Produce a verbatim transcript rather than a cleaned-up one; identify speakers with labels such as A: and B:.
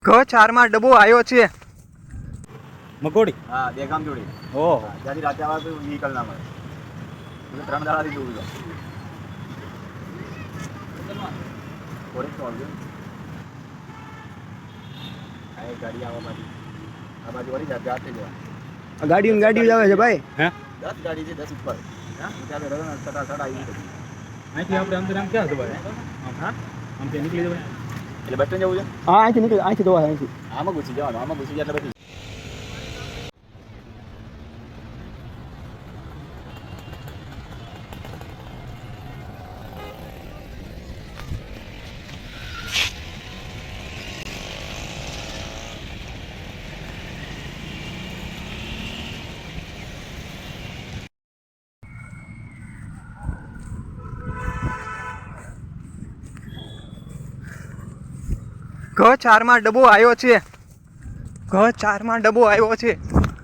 A: ઘ ચારમાં ડબ્બો આવ્યો છે.
B: મકોડી
C: હા બે ગામ જોડી
B: ઓહો
C: જ્યાંથી રાતે આવે તો વ્હીકલ ના મળે એટલે ત્રણ દાડાથી દૂર છે થોડીક તો આવજો આ એક ગાડી આવવા બાજુ આ બાજુ વળી જાય જાતે જવા
A: ગાડીઓ ને ગાડીઓ જ આવે છે ભાઈ.
B: હે
C: દસ ગાડી છે દસ ઉપર હા ત્યાં રહ્યો ને સટા સટા આવી બધી
B: અહીંથી આપણે અંદર આમ ક્યાં જવાય
C: હા
B: આમ ત્યાં નીકળી જવાય
C: એટલે બસ સ્ટેન્ડ જવું છે
A: હા અહીંથી નીકળી અહીંથી જોવા અહીંથી.
C: આમાં ઘૂસી જવાનું આમાં ઘૂસી જાય એટલે બધી
A: ઘ ચારમાં ડબ્બો આવ્યો છે. ઘ ચારમાં ડબ્બો આવ્યો છે.